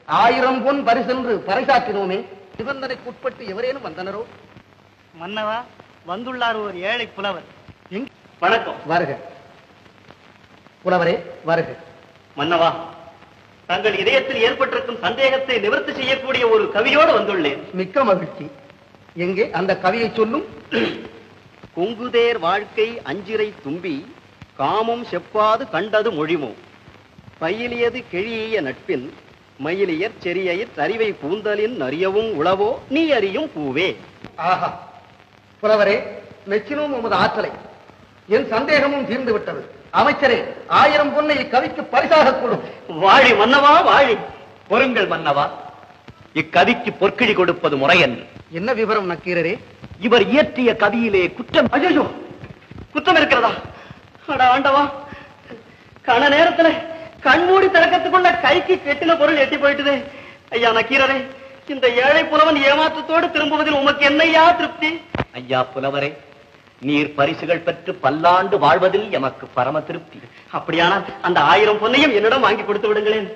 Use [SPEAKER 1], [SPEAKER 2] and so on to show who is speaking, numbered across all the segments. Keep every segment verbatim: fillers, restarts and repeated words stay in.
[SPEAKER 1] ஆயிரம் பொன் பரிசென்று பறைசாற்றினோமே, நிபந்தனைக்குட்பட்டு எவரேனும் வந்தனரோ?
[SPEAKER 2] மன்னவா, வந்துள்ளார் ஒரு ஏழை புலவர்.
[SPEAKER 1] வணக்கம். வருக புலவரே, வருக.
[SPEAKER 2] மன்னவா, தங்கள் இதயத்தில் ஏற்பட்டிருக்கும் சந்தேகத்தை நிவர்த்தி செய்யக்கூடிய ஒரு கவியோடு வந்துள்ளேன்.
[SPEAKER 1] மிக்க மகிழ்ச்சி. எங்கே அந்த கவியை சொல்லும்.
[SPEAKER 2] கொங்குதேர் வாழ்க்கை அஞ்சிரை தும்பி காமம் செப்பாது கண்டது மொழிமோ, பயிலியது கிழிய நட்பின் மயிலியற் செரியயிற் அறிவை கூந்தலின் அறியவும் உளவோ நீ அறியும் பூவே.
[SPEAKER 1] ஆஹா, புலவரே, மெச்சினோம் உமது ஆற்றலை. என் சந்தேகமும் தீர்ந்து விட்டது. அமைச்சரே, ஆயிரம் பொன்னை இக்கவிக்கு பரிசாக கூடும்.
[SPEAKER 2] வாழி மன்னவா, வாழி.
[SPEAKER 3] பொருங்கள் மன்னவா, இக்கவிக்கு பொற்கிழி கொடுப்பது முறை என்று.
[SPEAKER 1] என்ன விவரம் நக்கீரரே?
[SPEAKER 3] இவர் இயற்றிய கவியிலே குற்றம்.
[SPEAKER 2] ஐயோ, குற்றம் இருக்கிறதா? அட ஆண்டவா, கண நேரத்துல கண்மூடி திறக்கத்துக்குள்ள கைக்கு கெட்டின பொருள் எட்டி போயிட்டுதே. ஐயா நக்கீரரே, இந்த ஏழை புலவன் ஏமாற்றத்தோடு திரும்புவதில் உமக்கு என்னையா திருப்தி?
[SPEAKER 3] ஐயா புலவரே, நீர் பரிசுகள் பெற்று பல்லாண்டு வாழ்வதில் எமக்கு பரம திருப்தி.
[SPEAKER 2] அப்படியானால் அந்த ஆயிரம் பொன்னையும் என்னிடம் வாங்கி கொடுத்து விடுங்களேன்.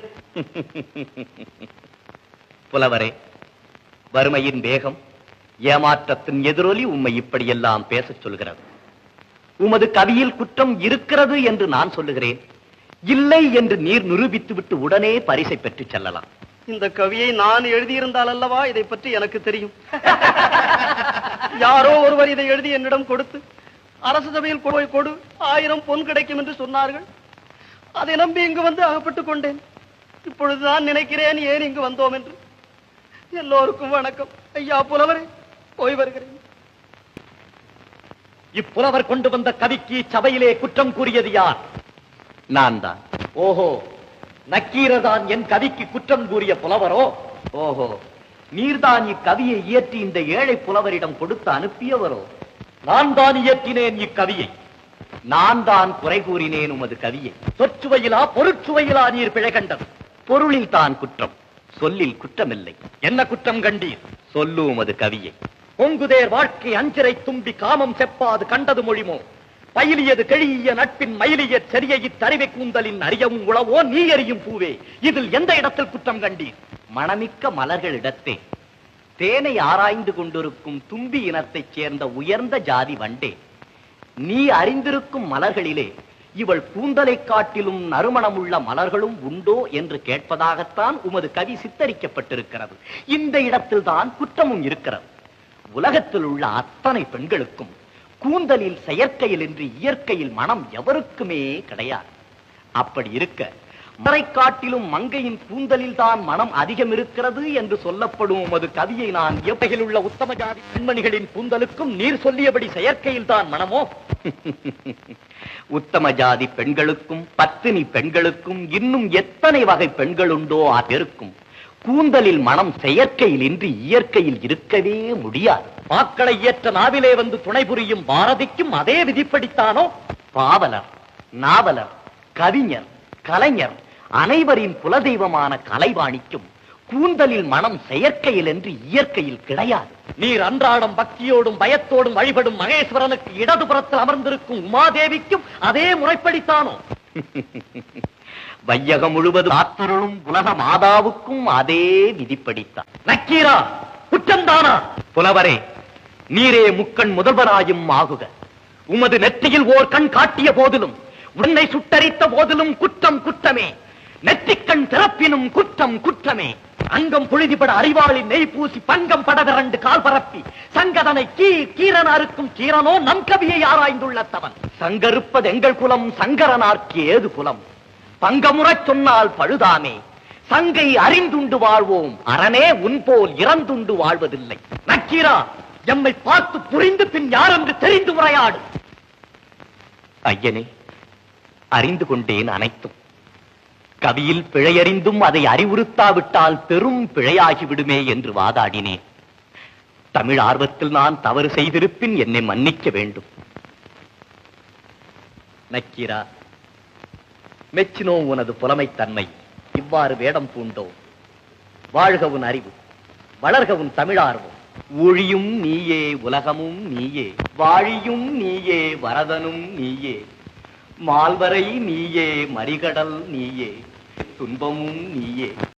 [SPEAKER 3] புலவரே, வறுமையின் வேகம், ஏமாற்றத்தின் எதிரொலி உம்மை இப்படியெல்லாம் பேசச் சொல்கிறது. உமது கவியில் குற்றம் இருக்கிறது என்று நான் சொல்லுகிறேன். இல்லை என்று நீர் நிரூபித்து விட்டு உடனே பரிசை பெற்று செல்லலாம்.
[SPEAKER 2] இந்த கவியை நான் எழுதியிருந்தால் அல்லவா இதை பற்றி எனக்கு தெரியும். யாரோ ஒருவர் இதை எழுதி என்னிடம் கொடுத்து அரசு சபையில் போய் கொடு, ஆயிரம் பொன் கிடைக்கும் என்று சொன்னார்கள். அதை நம்பி இங்கு வந்து அகப்பட்டுக் கொண்டேன். இப்பொழுது நான் நினைக்கிறேன் ஏன் இங்கு வந்தோம் என்று. எல்லோருக்கும் வணக்கம். ஐயா புலவரே, போய் வருகிறேன்.
[SPEAKER 3] இப்புலவர் கொண்டு வந்த கவிக்கு சபையிலே குற்றம் கூறியது யார்? நான் தான். ஓஹோ, நக்கீரதான் என் கவிக்கு குற்றம் கூறிய புலவரோ? ஓஹோ, நீர்தான் இக்கவியை இயற்றி இந்த ஏழை புலவரிடம் கொடுத்து அனுப்பியவரோ? நான் தான் இயற்றினேன் இக்கவியை. நான் தான் குறை கூறினேன் உமது கவியை. சொற்சுவையிலா பொருட்சுவையிலா நீர் பிழை கண்டது? பொருளில் தான் குற்றம், சொல்லில் குற்றமில்லை. என்ன குற்றம் கண்டீர்? சொல்லு உமது கவியை. பொங்குதேர் வாழ்க்கை அஞ்சிரை தும்பி காமம் செப்பாது கண்டது மொழிமோ, பயிலியது கெழிய நட்பின் மயிலிய செரியையிற் தறிவை கூந்தலின் அறியவும் உளவோ நீ அறியும் பூவே. இதில் எந்த இடத்தில் குற்றம் கண்டீர்? மணமிக்க மலர்களிடத்தே தேனை ஆராய்ந்து கொண்டிருக்கும் தும்பி இனத்தைச் சேர்ந்த உயர்ந்த ஜாதி வண்டே, நீ அறிந்திருக்கும் மலர்களிலே இவள் கூந்தலை காட்டிலும் நறுமணமுள்ள மலர்களும் உண்டோ என்று கேட்பதாகத்தான் உமது கவி சித்தரிக்கப்பட்டிருக்கிறது. இந்த இடத்தில் தான் குற்றமும் இருக்கிறது. உலகத்தில் உள்ள அத்தனை பெண்களுக்கும் கூந்தலில் செயற்கையில் என்று இயற்கையில் மனம் எவருக்குமே கிடையாது. அப்படி இருக்க மறை காட்டிலும் மங்கையின் கூந்தலில் தான் மனம் அதிகம் இருக்கிறது என்று சொல்லப்படும் உமது கவியை நான் எவ்வகையில் உள்ள உத்தம ஜாதி பெண்மணிகளின் கூந்தலுக்கும் நீர் சொல்லியபடி செயற்கையில் தான் மனமோ? உத்தம ஜாதி பெண்களுக்கும் பத்தினி பெண்களுக்கும் இன்னும் எத்தனை வகை பெண்கள் உண்டோ இருக்கும் கூந்தலில் மனம் செயற்கையில் இன்றி இயற்கையில் இருக்கவே முடியாது. மாக்களை இயற்ற நாவிலே வந்து துணை புரியும் பாரதிக்கும் அதே விதிப்படித்தானோ? பாவலர், நாவலர், கவிஞர், கலைஞர் அனைவரின் குலதெய்வமான கலைவாணிக்கும் கூந்தலில் மனம் செயற்கையில் என்று இயற்கையில் கிடையாது. நீர் அன்றாடம் பக்தியோடும் பயத்தோடும் வழிபடும் மகேஸ்வரனுக்கு இடதுபுறத்தில் அமர்ந்திருக்கும் உமாதேவிக்கும் அதே முறைப்படித்தானோ? வையகம் முழுவதும் ஆத்தருளும் உலக மாதாவுக்கும் அதே விதிப்படித்தான். நக்கீரா, குற்றம்தானா? புலவரே, நீரே முக்கண் முதல்வராயும் ஆகுக. உமது நெற்றியில் ஓர் கண் காட்டிய போதிலும் உன்னை சுட்டரித்த போதிலும் குற்றம் குற்றமே. நெற்றிக்கண் திறப்பினும் குற்றம் குற்றமே. அங்கம் புழுதிபட அறிவாளின் நெய் பூசி பங்கம் படவிரண்டு கால் பரப்பி சங்கதனை கீ கீரனாருக்கும் கீரனோ நம் கவியை ஆராய்ந்துள்ளத்தவன். சங்கருப்பது எங்கள் குலம், சங்கரனார்க்கு ஏது குலம்? பங்கமுறச் சொன்னால் பழுதாமே. சங்கை அறிந்துண்டு வாழ்வோம், அரணே உன் போல் இறந்துண்டு வாழ்வதில்லை. நக்கீரா, எம்மை பார்த்து புரிந்து பின் யார் என்று தெரிந்து உரையாடு. ஐயனே, அறிந்து கொண்டேன் அனைத்தும். கவியில் பிழையறிந்தும் அதை அறிவுறுத்தாவிட்டால் பெரும் பிழையாகிவிடுமே என்று வாதாடினேன். தமிழ் ஆர்வத்தில் நான் தவறு செய்திருப்பின் என்னை மன்னிக்க வேண்டும். நக்கீரா, மெச்சினோ உனது புலமைத்தன்மை. இவ்வாறு வேடம் பூண்டோ. வாழ்க உன் அறிவு, வளர்க உன் தமிழார்வம். ஒழியும் நீயே, உலகமும் நீயே, வாழியும் நீயே, வரதனும் நீயே, மால்வரை நீயே, மறிகடல் நீயே, துன்பமும் நீயே.